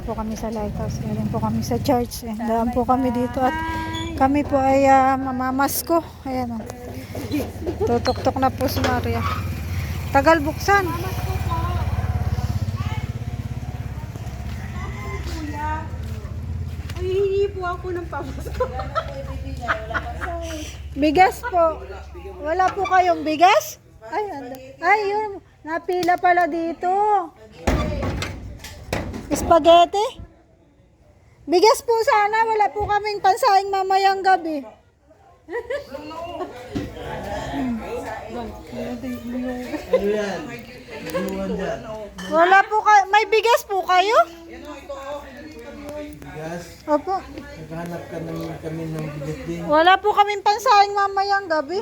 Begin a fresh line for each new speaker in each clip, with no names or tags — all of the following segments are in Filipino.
po kami sa lighthouse. Galing po kami sa church. Daan po kami dito at kami po ay mamamasko. Ayan o. Tutok-tok na po si Maria. Tagal buksan.
Ay, hihingi po ako ng pamasko.
Bigas po. Wala po kayong bigas? Ay, ay yun. Napila pala dito. Spaghetti? Bigas po sana. Wala po kaming pansahing mamayang gabi.
Ano yan? Inuwan dyan.
Wala po kayo. May bigas po kayo?
Bigas.
Opo.
Naghahanap ka naman kami ng bigas din.
Wala po kaming pansahing mamayang gabi.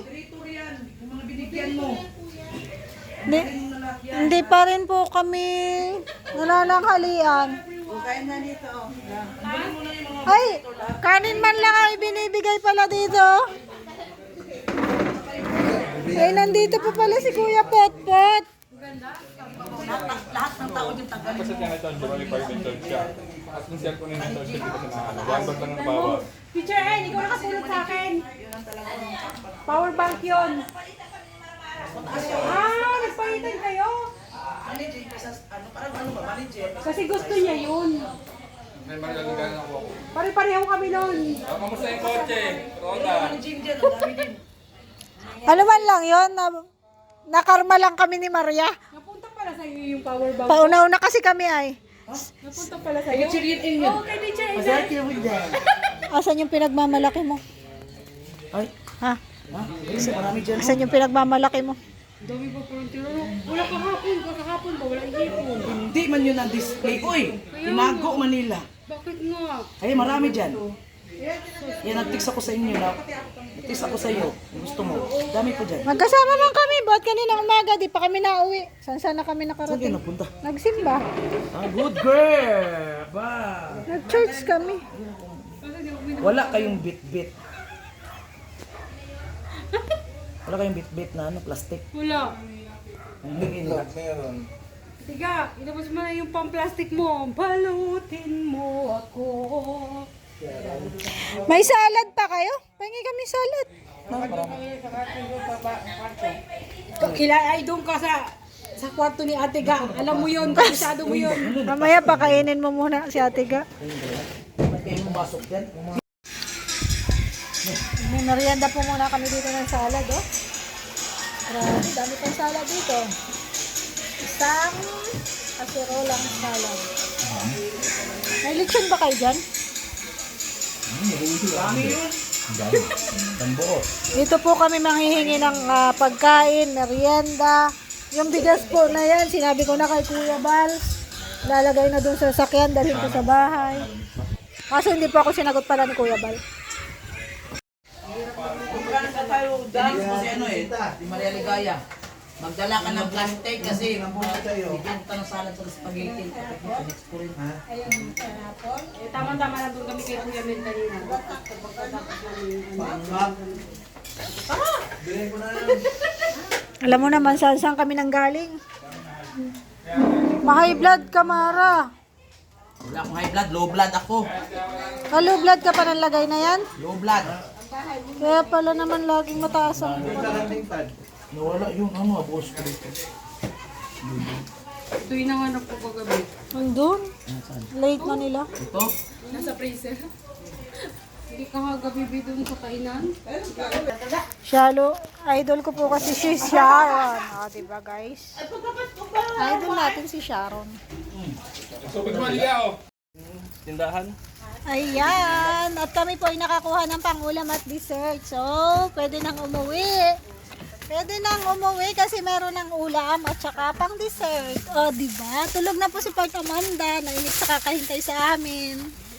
Hindi pa rin po kami nanananghalian. Ay, kanin man lang ay binibigay pala dito. Ay, nandito po pala si Kuya Potpot.
Kasi niya ito, di ba, required ng church siya. At kung siya kunin ng church siya, di ba siya nakakala. One bag lang ang bawat.
Teacher N, ikaw nakatulog sa akin. Power bank yun. Nagpalitan kayo? Kasi gusto niya yun.
May magagaling ako.
Pare-pareho kami nun.
Kamusta yung kotse? Roda.
Ano man lang yun, nakarma lang kami ni Maria.
Napunta pala sa iyo yung power bank.
Pauna-una kasi kami ay.
Napunta pala sa iyo. Oo, kay Teacher N.
Masarap yung dyan.
Asan yung pinagmamalaki mo?
Ay,
Ha?
marami dyan.
Asan yung pinagmamalaki mo?
Dami pa parang tinuro. Wala kahapon ba? Wala ihipon.
Hindi man yun ang display. Uy, tinago Manila.
Bakit nga?
Ay, marami dyan. Yan, nag-text ako sa inyo. Nag-text ako sa iyo. Gusto mo. Dami po dyan.
Magkasama man kami, ba't kaninang umaga, di pa kami nauwi. Saan na kami
Saan kayo
nakarating?
napunta?
Nagsimba.
Good girl! Ba?
Nag-church kami.
Wala kayong bit-bit. Wala kayong bit-bit na ano, plastic.
Wala.
Bigyan nila.
Meron.
Tiga, ilabas mo na yung pang-plastic mo. Balutin mo ako.
May salad pa kayo? Pahingi kami salad.
Ay, doon ka sa kwarto ni Ate Ga. Alam mo yun, kabisado mo yun.
Mamaya pakainin mo muna si Ate Ga.
May kayong basok yan.
May merienda po muna kami dito ng salad, oh. Grabe, dami pang salad dito. Isang kaserolang salad. May lechon ba kayo dyan?
Dami yun.
Dito po kami manghihingi ng pagkain, merienda. Yung bigas po na yan, sinabi ko na kay Kuya Bal. Lalagay na dun sa sasakyan, dalhin ko sa bahay. Kaso hindi po ako sinagot pala ni Kuya Bal.
Magkano sa tayo dance kasi ano eh, di Maria Ligaya. Magdala ka ng plastic kasi bigyan ka ng salad sa spaghetti. Next ko rin.
Tama-tama na doon kami kay Kuya Mel kanina.
Bilhin ko na yan.
Alam mo naman saan kami nanggaling. Ma-high blood ka, Mara.
Wala akong high blood, low blood ako.
Low blood ka pa ng lagay na yan?
Low blood.
Kaya pala naman laging mataas ang...
Nawala yung ano, boss ko dito.
Ito yung nanganap ko kagabi.
Nandun. Late na nila.
Ito,
Nasa freezer. Hindi ka kagabi doon sa kainan.
Shalo, idol ko po kasi si Sharon. Diba guys? Idol natin si Sharon.
So, pagmaliya, oh. Tindahan?
Ayan. At kami po ay nakakuha ng pangulam at dessert. So, pwede nang umuwi. Pwede nang umuwi kasi meron ng ulam at saka pang dessert. O, diba? Tulog na po si Port Amanda. Nainig sa kakahintay sa amin.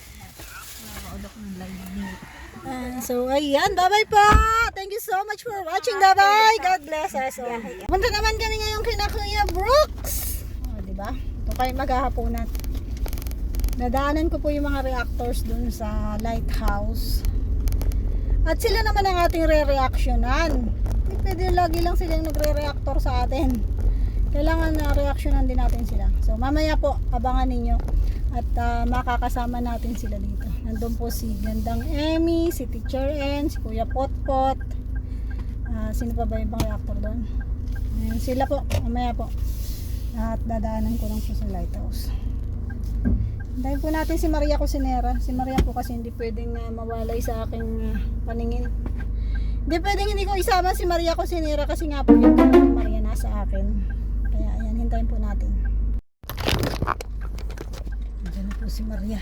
So, ayan. Bye-bye po. Thank you so much for watching. Bye-bye. God bless us. Punta naman kami ngayong kina Kuya Brooks. O, diba? Ito kayo maghahaponan. Nadaanan ko po yung mga reactors dun sa lighthouse. At sila naman ang ating re-reactionan. Hindi pwede lagi lang silang nagre-reactor sa atin. Kailangan na reactionan din natin sila. So mamaya po, abangan ninyo At makakasama natin sila dito. Nandun po si Gandang Emmy, si Teacher N, si Kuya Potpot. Sino pa ba yung mga reactor doon? Ayan, sila po, mamaya po. At dadaanan ko lang po sa lighthouse. Dahil po natin si Maria Cusinera. Si Maria po kasi hindi pwedeng mawalay sa aking paningin. Hindi pwedeng hindi ko isama si Maria Cusinera kasi nga po yung Maria nasa akin. Kaya ayan, hintayin po natin. Diyan na po si Maria.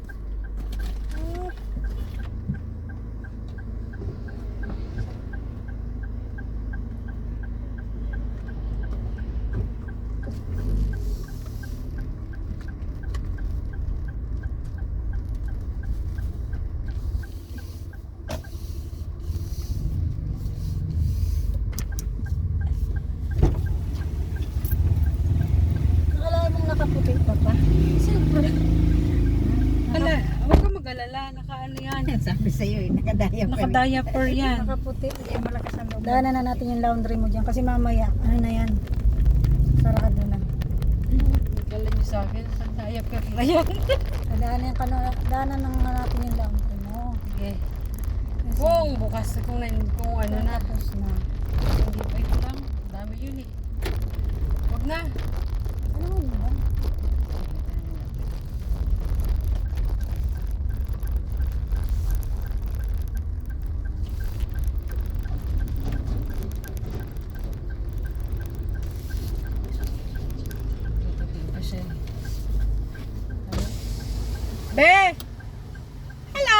Akala mong nakaputi pa pa. Siyempre.
Wala, huwag ka mag-alala. Naka-ano yan.
Sabi sa'yo eh, nakadaya pa.
Naka-diaper yan.
Nakaputi.
Kaya malakas ang loob.
Daanan na natin yung laundry mo dyan kasi mamaya, ano na yan, sarado na.
Nagkala niyo sa akin. Naka-diaper na yan.
Daanan na nga natin yung laundry mo.
Sige. Kung bukas, kung ano na.
Tapos na.
Hindi pa ito lang. Dami yun eh. Huwag na.
Ano mo ba?
Tututin pa siya eh. Be! Hello!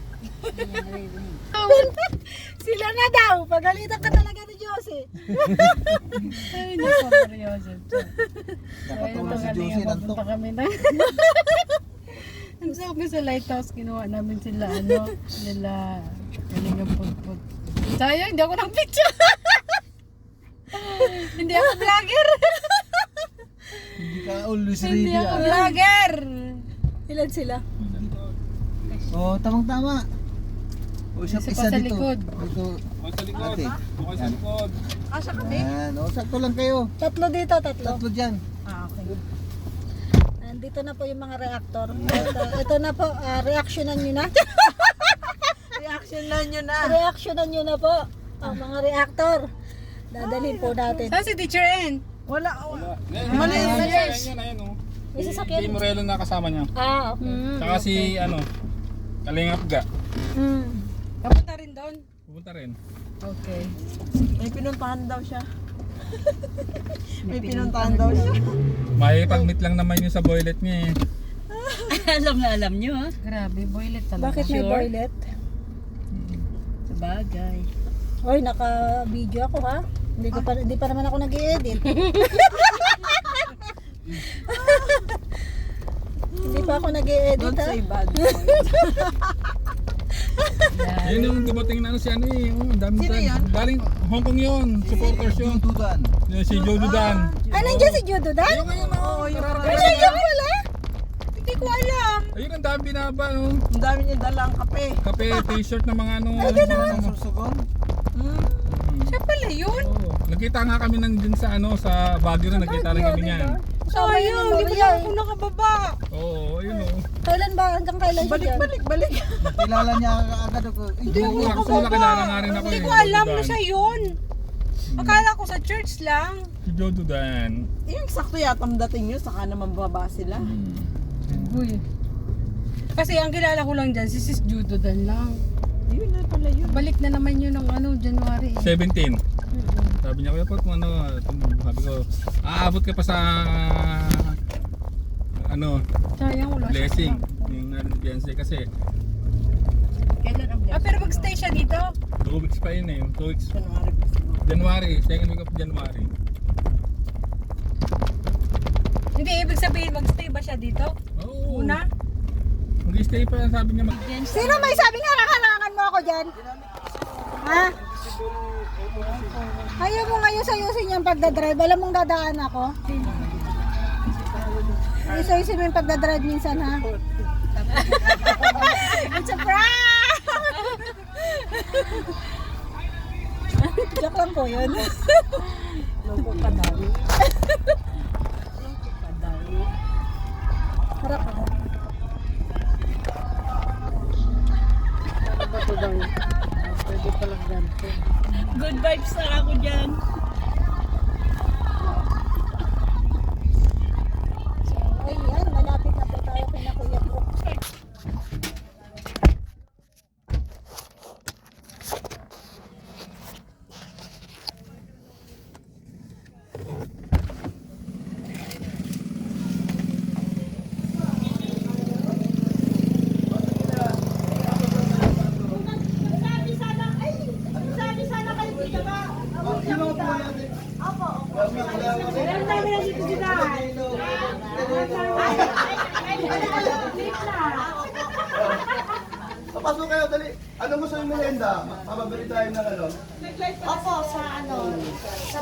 Sila na daw! Pagalitan ka talaga ni Josie.
Ay, nako, seryoso.
Nakatulog si Josie ng
Punta kami na. Ang sabi sa lighthouse, kinuha namin sila, nila, kalingang putput. Sayang, hindi ako ng picture. Hindi ako vlogger.
Hindi ka always
Hindi
ready
ako
ah.
vlogger.
Ilan sila?
Oh, tamang-tama. O, isa
Isa pa sa
dito.
likod.
Ito.
Bukas sa likod.
Ate.
Bukas sa likod.
Yan. O, sakto lang kayo.
Tatlo dito, tatlo.
Tatlo dyan.
Ah, okay. Nandito na po yung mga reactor. Ito na po, reactionan nyo na.
Reaksyonan nyo na.
Reactionan nyo na po ang mga reactor. Dadalhin po natin.
Saan si Teacher N?
Wala.
Mali. Ayan, oh.
May sasakyan.
Si Morelo na kasama niya.
Ah, okay.
Tsaka si, Kalingap Ga.
Kapunta rin doon?
Pupunta rin.
Okay.
May pinuntahan daw siya. May pinuntahan daw siya.
May pag-meet lang naman yun sa boylet niya eh.
Alam na alam nyo ha.
Grabe, boylet talaga.
Bakit may toilet?
Sa bagay.
Hoy, naka-video ako ha. Hindi pa naman ako nag-i-edit. Hindi pa ako nag-i-edit
Don't
ha.
say bad.
Yun yung dumating na si ano eh. Oh, ang dami
Sino
dyan.
yun?
Galing Hong Kong yun. Supporters yun.
Tutudan.
Yun, si Joe Dudan.
Ah, nandiyan si Judo Dan?
Ayun ngayon
Oo, yung
Ay, nandiyan pala.
Hindi ko alam.
Ayun ang dami binaba. No?
Ang dami niya dalang kape.
Kape, t-shirt ng mga ano.
Ang sursugon.
Siya pala yun?
Oo. Nagkita nga kami nandun sa sa Baguio na nagkita rin kami niyan.
Sayang, hindi ko na ako nakababa.
Oo, ayun oh.
Kailan ba? Hanggang kailan siya dyan?
Balik.
Kilala niya agad ako.
Hindi ako nakilala nga rin ako.
Hindi
eh,
ko
Joe
alam
Dudan.
na siya yun. Akala ko sa church lang.
Si Joe Dudan.
Yung sakto yata ang dating nyo, saka naman baba sila.
Uy. Kasi ang kilala ko lang dyan, si Sis Judo Dan lang.
Yun na pala yun.
Balik na naman yun ng January.
17. Sabi niya, kuya po, sabi ko, aabot ka pa sa
Sayang, wala siya.
blessing. Yung Beyonce kasi
Kailan ang blessing?
Pero magstay siya dito?
2 weeks pa yun eh. 2 weeks.
January pa siguro.
January, second week of January.
Hindi, ibig sabihin magstay ba siya dito?
Oo.
Una?
Mag-stay pa, sabi niya
Sino may sabi nga nakalangan mo ako dyan? Ha? Ayaw mo ngayon sayusin yung pagdadrive. Alam mong dadaan ako? Sayusin mo yung pagdadrive minsan ha? It's a prank! Joke lang po yun.
Loko pa daw.
Harap ako.
restaurante.
Good vibes na ako dyan.
Ayan, malapit na po tayo kay na Kuya Brooks.
Papasok kayo, dali. Ano gusto yung merienda? Mababili tayo ng ano?
Opo, sa ano, sa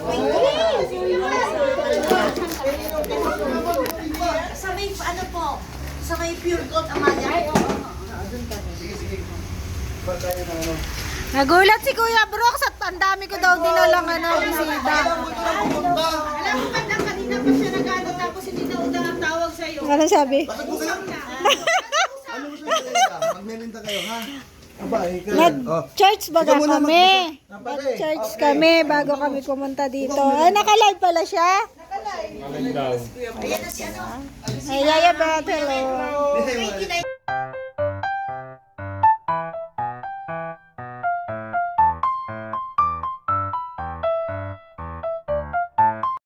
sa may ano po, sa may pure gold amaya. Ay, oo.
Nagulat si Kuya Brooks at ang dami ko daw dinalang bisita.
Alam mo ba na kanina pa siya nag-ano tapos hindi na udang ang tawag sa'yo.
Ano sabi?
Ano gusto yung merienda? Magmerienda kayo, ha? Aba,
Nag-church baga kami. Nag-church kami bago kami pumunta dito. Ay, naka-live pala siya?
Maling daw.
Ay, Yaya Beth, hello.